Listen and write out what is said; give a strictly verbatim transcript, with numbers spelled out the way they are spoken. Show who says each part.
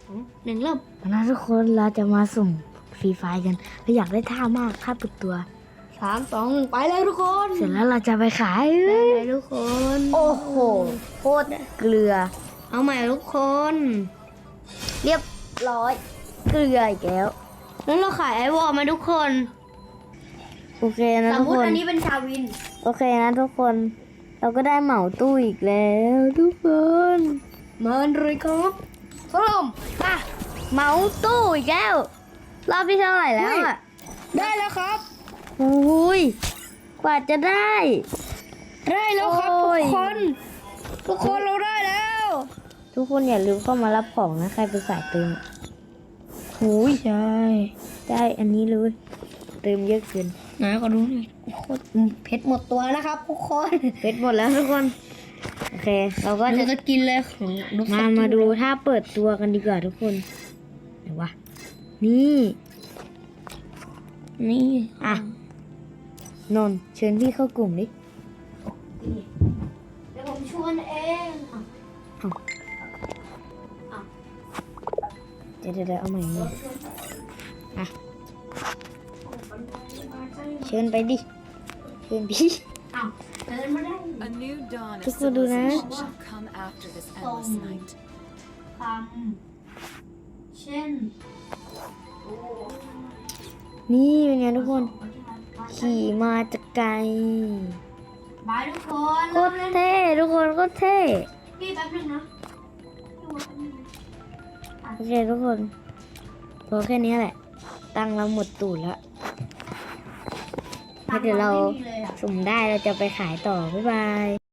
Speaker 1: หนึ่งเริ่ม
Speaker 2: นะทุกคนเราจะมาสุ่มฟรีไฟร์กันเราอยากได้ท่ามากค่าปิดตัว
Speaker 1: สามสองหนึ่งไปเลยทุกคน
Speaker 2: เสร็จแล้วเราจะไปขาย
Speaker 1: ได้เลยทุกคน
Speaker 2: โอ้โหโคตรเกลือ
Speaker 1: เอาใหม่ทุกคน
Speaker 2: เรียบร้อยเกลืออีกแล้ว
Speaker 1: นั้นเราขายไอวอลมาทุกคน
Speaker 2: โอเคนะ
Speaker 1: สม
Speaker 2: ทุก
Speaker 1: มติ
Speaker 2: คน
Speaker 1: อันนี้เป็นชาวิน
Speaker 2: โอเคนะทุกคน เราก็ได้เหมาตู้อีกแล้วทุกคน
Speaker 1: มาเลยครับสลม
Speaker 2: อ่ะเหมาตู้อีกแล้วรอบที่เท่าไหร่แล้วอ่ะ
Speaker 1: ได้แล้วครับ
Speaker 2: โอ้ยกว่าจะได้
Speaker 1: ได้แล้วครับ
Speaker 2: โอ้
Speaker 1: ทุ
Speaker 2: ย
Speaker 1: กคน ทุกคนเราได้แล้ว
Speaker 2: ทุกคนอย่าลืมเข้ามารับของนะใครเป็นสายเติมหูย
Speaker 1: ใช่
Speaker 2: ได้อันนี้เลยเติมเยอะเกิน
Speaker 1: ไหนก็ดูหน่อยโคตรเพชรหมดตัวนะครับทุกคน
Speaker 2: เพชรหมดแล้วทุกคน โอเค เราก็
Speaker 1: เรา
Speaker 2: จะ
Speaker 1: จะกินเลยของลูก
Speaker 2: มามาดูถ้าเปิดตัวกันดีกว่าทุกคนไหนวะนี่
Speaker 1: นี่
Speaker 2: อ่ะนนท์เชิญพี่เข้ากลุ่มดิ
Speaker 1: เดี๋ยวผมชวนเองอ่ะ
Speaker 2: เดี๋ยวเดี๋ยวเดี๋ยวเอาใหม่นี่อ่ะเชิญไปดิเชิญพี่
Speaker 1: อ้าวเดินมาได้
Speaker 3: A new dawn of
Speaker 2: Just go do that.
Speaker 3: civilization shall come after this endless night.
Speaker 1: คำเช่น
Speaker 2: นี่เป็นไงทุกคน ขี่มาจากไกล
Speaker 1: บายทุกคน
Speaker 2: โคตรเท่ทุกคนโคตรเท่
Speaker 1: พี่แป๊บนึงนะ
Speaker 2: โอเคทุกคนพอแค่นี้แหละ ตังค์เราหมดตูดแล้วถ้าเดี๋ยวเราสุ่มได้เราจะไปขายต่อ บ๊ายบาย